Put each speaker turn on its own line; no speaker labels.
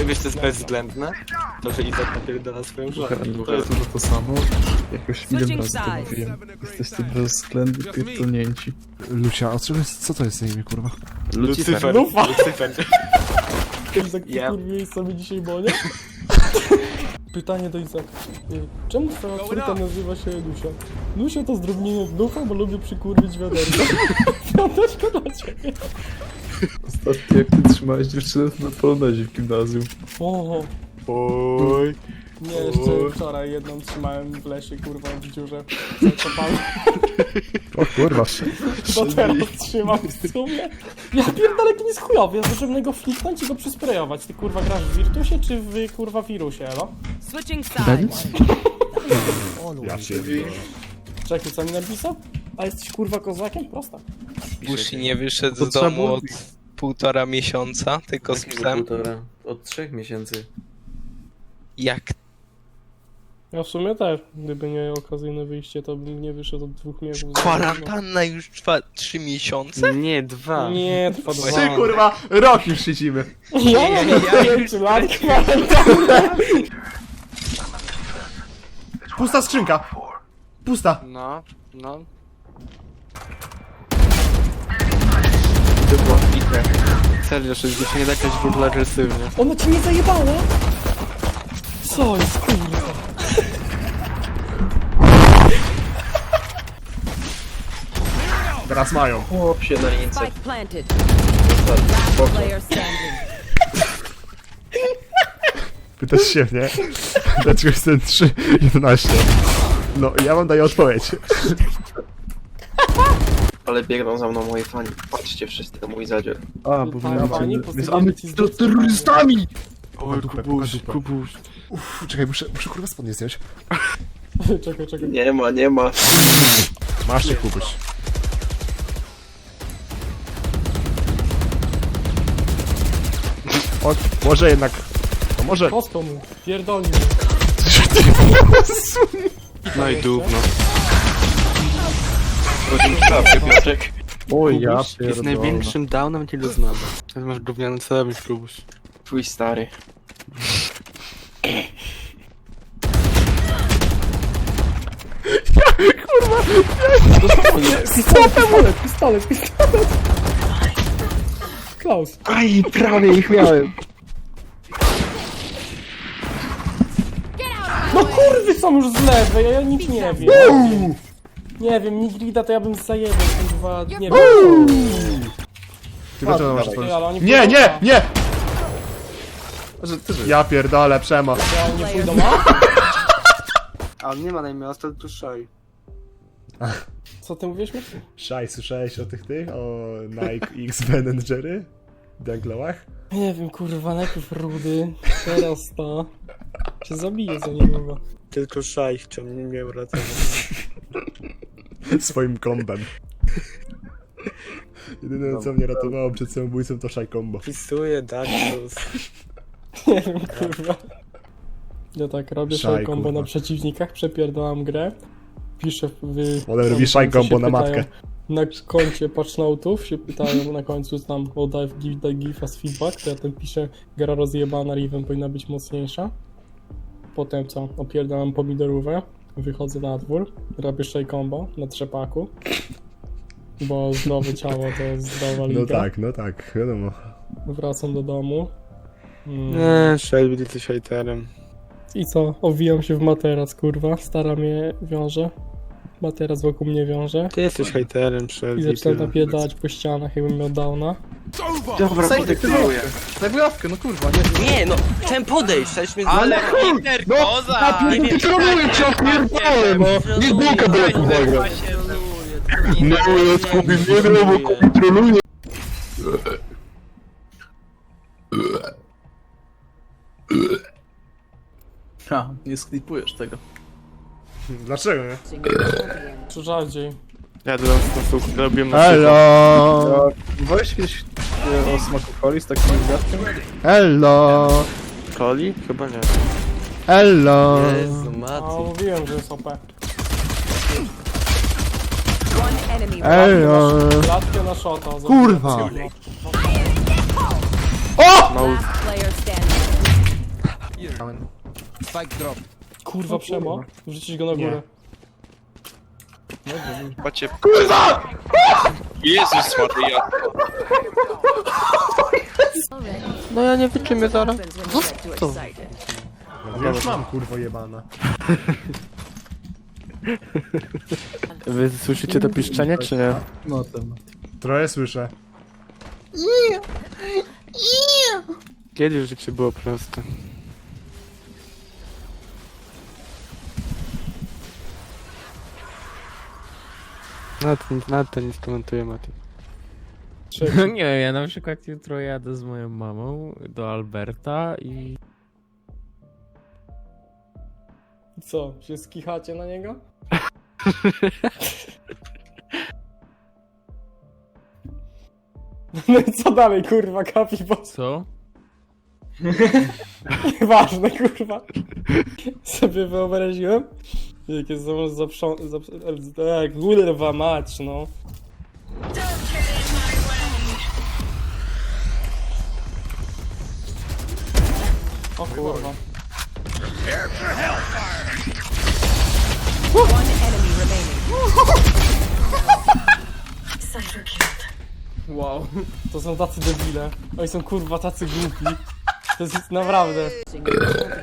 Wiesz, to jest bezwzględne? To, że Izak napierdala swoją żonę.
To jest to samo. Jakoś milion razy to mówiłem. Jesteście bezwzględnie pierdolnięci.
Lucia, a co to jest na imię, kurwa?
Lucyfer.
Lufa.
Lucyfer.
Izak, ty
Ja.
kurwiłeś sobie dzisiaj bonie? Pytanie do Izaka. Czemu twoja córka nazywa się Lucia? Lucia to zdrobnienie ducha, bo lubię przykurwić wiaderko. Wiaderko dla ciebie.
Ostatnio jak ty trzymałeś dziewczynę na polonezie w gimnazjum.
Oho.
Oj.
Nie, jeszcze wczoraj jedną trzymałem w lesie, kurwa, w dziurze. Zakopałem.
O kurwa.
To teraz trzymam w sumie. Ja pierdolę, to nie jest chujowy, ja zacząłem go fliknąć i go przysprejować. Ty kurwa grasz w Virtusie czy w kurwa wirusie, no?
Switching sides.
Ja pierdolę.
Czekaj, co mi napisał? A jesteś kurwa kozakiem? Prosta.
Bushi nie wyszedł
To
z
trzeba
domu
było
od 1,5 miesiąca, tylko z psem.
Od 3 miesięcy.
Jak
Ja w sumie też. Gdyby nie okazyjne wyjście, to bym nie wyszedł od 2 miesięcy.
kwarantanna już trwa 3 miesiące?
Nie, 2.
Nie, trwa 2.
Ty kurwa, rok już siedzimy.
Ja mam 5 lat kwarantanny.
Pusta skrzynka. Pusta.
No, no. To było bite. Serio, że się nie da jakaś w ogóle agresywnie.
Ona ci nie zajebała? Co jest kurwa?
Teraz mają.
Chłop się na lince.
Spike planted. Last player standing.
Pytasz się mnie, dlaczego jestem 3.11? No, ja wam daję odpowiedź.
Ale biegną za mną moi fani. Patrzcie wszyscy na mój zadzior.
A, bo
Fani,
miałem...
postawimy ci
To terrorystami!
Oj, Kubuś,
dupę.
Kubuś.
Uff, czekaj, muszę kurwa spodnie zdjąć.
Czekaj.
Nie ma.
Masz się, Kubuś. O, może jednak... No może...
Kostką mu, pierdolni mu.
No i dubno.
Oj, ja
Kubuś jest
pierdolę.
największym downem, jakiego znam. Teraz masz gówniany celownik, Kubuś.
Twój stary.
Pistolet. Klaus.
Aj, prawie ich miałem.
No kurwy są już z lewej, a ja nic nie wiem. Nie wiem, Nigrida to ja bym zajebał, kurwa, nie wiem.
Ty dlaczego masz
Ty,
otworzyć?
ale oni
Nie,
pójdą
nie,
A.
nie!
Ty, że...
Ja pierdolę, przemo.
Ja oni nie pójdą A?
A on nie ma na imię, to tu szoj.
Co ty mówisz mi?
Szaj, słyszałeś o tych? O Nike X Ben Jerry? Dunklowach?
Nie wiem, kurwa, najpierw Rudy, teraz to. Cię zabiję za niedługo.
Tylko szaj chciał mnie nie uratować.
Swoim kombem. Jedyne co mnie ratowało przed samobójcą to szaj combo.
Wpisuję Darkus.
Nie wiem, kurwa. Ja tak robię
Szaj,
szaj combo
kurwa.
na przeciwnikach, przepierdolam grę. Piszę w...
Potem robi szaj
tam się
combo na
pytają,
matkę.
Na koncie patchnote'ów się pytają na końcu tam o daj give us feedback, to ja ten piszę, gra rozjebana, Riven powinna być mocniejsza. Potem co, opierdalam pomidorówę, wychodzę na dwór, robię szaj combo na trzepaku. Bo zdrowe ciało to zdrowa liga.
No tak, wiadomo.
Wracam do domu.
Nie, Shelby, ty jesteś hejterem.
I co? Owijam się w materac, kurwa. Stara mnie wiąże. Materac wokół mnie wiąże.
Ty jesteś hejterem,
I
Shelby.
zaczynam
tyle.
napierdalać po ścianach, jakbym miał downa.
Dobra, podektynuję.
Daj wyjawkę, no kurwa, nie.
Nie, no, chciałem podejść, chciałeś mnie
Ale Peter Koza!
Nie kontroluję cię, opierdolę, no! Nie zbójka breku zagra. No, ja skupię nie gram, bo kontroluję. A, nie sklipujesz tego.
Dlaczego nie?
Czy rzadziej.
Ja dodam sposób, robię na
Hello!
Mówiłeś kiedyś o smaku coli z takim gwiazdkiem?
Hello!
Coli? Chyba nie.
Hello!
Jezu,
A
Mati.
mówiłem, że jest OP.
One enemy.
Hello!
Latkę na shota.
Kurwa!
Last player standing.
Spike drop.
Kurwa Przemo, wrzucić go na górę.
Patrzcie. Kurwa! Jezus Maria.
No ja nie wyczymię zaraz. To.
Ja już mam kurwo jebana.
Wy słyszycie to piszczenie, czy nie?
No ten.
Trochę słyszę.
Kiedyś życie było proste. Nawet to nie skomentuję, Mati.
Nie, ja na przykład jutro jadę z moją mamą do Alberta i...
Co, się skichacie na niego? No i co dalej, kurwa, kapi, bo
Co?
nieważne, kurwa. Sobie wyobraziłem, jak jest kurwa mać, no. O kurwa.
One enemy remaining.
Wow. To są tacy debile. Oni są kurwa tacy głupi. To jest naprawdę.